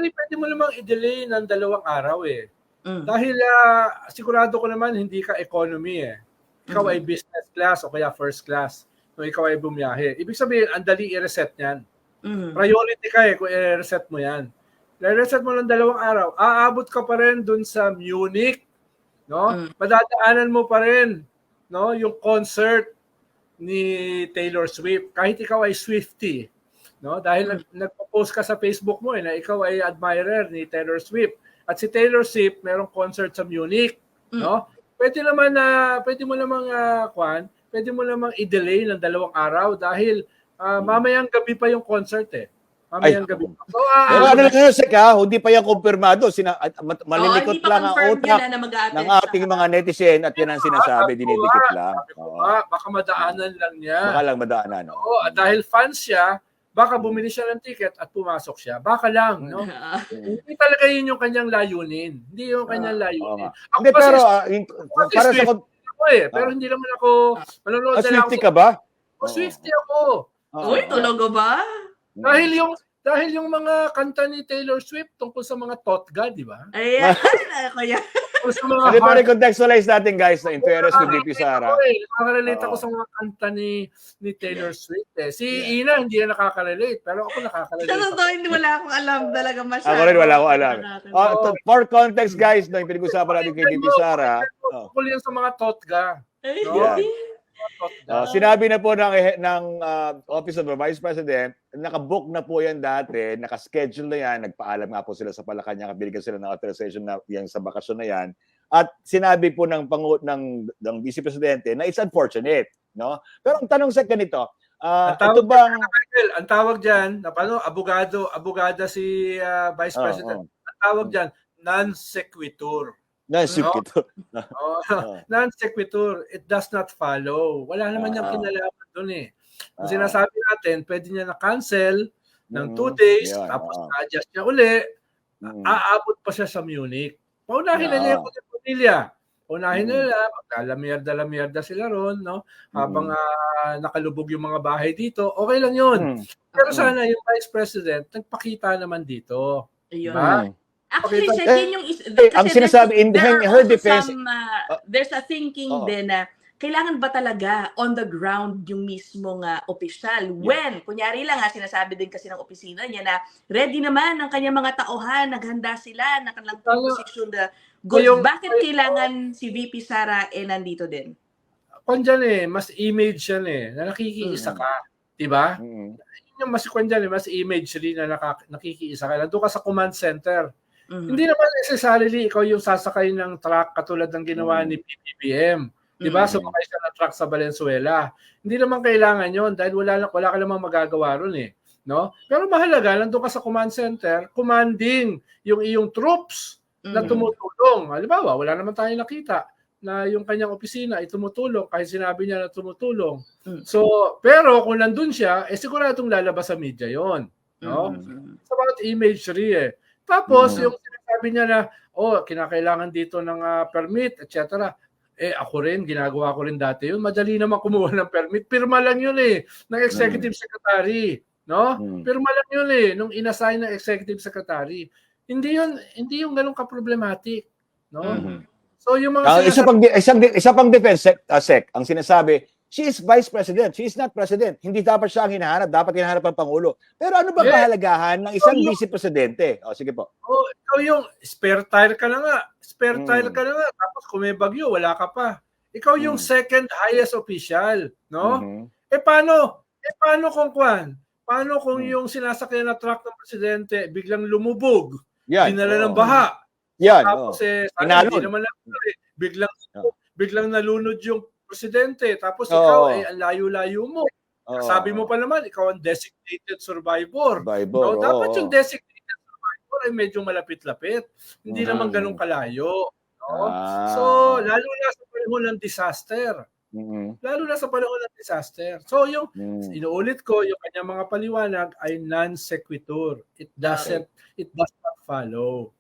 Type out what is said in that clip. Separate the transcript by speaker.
Speaker 1: Actually, pwede mo namang i-delay ng 2 araw eh. Dahil sigurado ko naman hindi ka economy eh. Ikaw ay business class o kaya first class. Kung ikaw ay bumiyahe. Ibig sabihin, ang dali i-reset yan. Priority ka eh kung i-reset mo yan. I-reset mo ng 2 araw, aabot ka pa rin dun sa Munich. No? Madadaanan mo pa rin, no, yung concert ni Taylor Swift. Kahit ikaw ay Swiftie. No? Dahil nagpo-post ka sa Facebook mo na ikaw ay admirer ni Taylor Swift. At si Taylor Swift merong concert sa Munich, no? Pwede mo namang pwede mo namang i-delay ng 2 araw dahil mamayang gabi pa yung concert eh. Mamayang gabi. So,
Speaker 2: ano lang yun, Sek, hindi pa yan kumpirmado. Malilikot lang ang utak ng ating mga netizen at yan ang sinasabi, dinidikit lang.
Speaker 1: Baka madaanan lang niya.
Speaker 2: Baka lang madaanan.
Speaker 1: Oo, dahil fans siya, baka bumili siya ng ticket at pumasok siya. Baka lang, no? Hindi talaga yun yung kanyang layunin. Hindi yung kanyang layunin.
Speaker 2: Hindi, pero para sa
Speaker 1: pero hindi naman ako manonood na lang.
Speaker 2: Swiftie ka ba?
Speaker 1: Swiftie ako.
Speaker 3: Uy, tulogo ba?
Speaker 1: Dahil yung mga kanta ni Taylor Swift tungkol sa mga totga, di ba?
Speaker 3: Ayan, ako yan.
Speaker 2: Hindi pa recontextualize natin, guys, in fairness with VP Sara.
Speaker 1: Nakaka-relate ako sa mga kanta ni Taylor Swift. Si Ina, hindi na nakaka-relate. Pero ako nakaka-relate.
Speaker 3: Sa totoo, hindi wala akong alam talaga masyado.
Speaker 2: Ako rin, wala akong alam. For context, guys, yung pinag-usapan natin kay VP Sara.
Speaker 1: Tungkol yan sa mga totga.
Speaker 2: Sinabi na po ng Office of the Vice President, nakabook na po yan dati, nakaschedule na yan, nagpaalam nga po sila sa Malacanang, binigyan sila ng authorization na yan sa bakasyon na yan. At sinabi po ng Vice Presidente na it's unfortunate, no? Pero ang tanong sa ganito,
Speaker 1: ang tawag diyan, abogada si Vice President. Ang tawag diyan, non sequitur. Non sequitur, it does not follow. Wala naman niyang kinalaman doon eh. Kung sinasabi natin, pwede niya na-cancel ng 2 days, tapos na-adjust niya uli, aabot pa siya sa Munich. Paunahin na niya yung pamilya. Paunahin na nila, magkalamerda sila ron, no? Habang nakalubog yung mga bahay dito, okay lang yun. Pero sana yung Vice President, nagpakita naman dito. Diba?
Speaker 3: Actually,
Speaker 2: ang sinasabi in her defense,
Speaker 3: there's a thinking din na kailangan ba talaga on the ground yung mismong opisyal? When, kunyari lang sinasabi din kasi ng opisina niya na ready naman ang kanyang mga tauhan, naghanda sila, nakalang position the goods. Bakit kailangan si VP Sara nandito din?
Speaker 1: Kung dyan mas image yan na nakikiisa ka. Diba? Yung mas kung dyan mas imagery na nakikiisa ka. Nandun ka sa command center. Hindi naman necessarily ikaw yung sasakay ng truck katulad ng ginawa ni PBBM. Diba? Sumakay siya ng truck sa Valenzuela. Hindi naman kailangan yon dahil wala ka namang magagawa ron eh. No? Pero mahalaga, nandun ka sa command center, commanding yung iyong troops na tumutulong. Halimbawa, wala naman tayong nakita na yung kanyang opisina ay tumutulong kahit sinabi niya na tumutulong. So, pero kung nandun siya, siguradong lalabas sa media yon. No? It's about imagery Tapos, yung sinasabi niya na, kinakailangan dito ng permit, etc. Ako rin, ginagawa ko rin dati yun. Madali naman kumuha ng permit. Pirma lang yun ng executive secretary. No? Pirma lang yun nung inassign ng executive secretary. Hindi yung ganun ka-problematic. No? So, yung mga
Speaker 2: isa pang defense, Sec, ang sinasabi, she is Vice President. She is not President. Hindi dapat siya ang hinahanap. Dapat hinahanap ang Pangulo. Pero ano ba kahalagahan ng isang Vice Presidente? Sige po.
Speaker 1: Ikaw yung spare tire ka na nga. Spare tire ka na nga. Tapos kung may bagyo, wala ka pa. Ikaw yung second highest official. No? Paano kung yung sinasakyan na truck ng Presidente biglang lumubog? Dinala ng baha. Tapos hindi naman lang biglang nalunod yung Presidente, tapos ikaw ang layo-layo mo. Sabi mo pa naman, ikaw ang designated survivor. No? Dapat yung designated survivor ay medyo malapit-lapit. Hindi naman ganun kalayo. No? So, lalo na sa panahon ng disaster. So, yung inuulit ko, yung kanyang mga paliwanag ay non sequitur. It does not follow.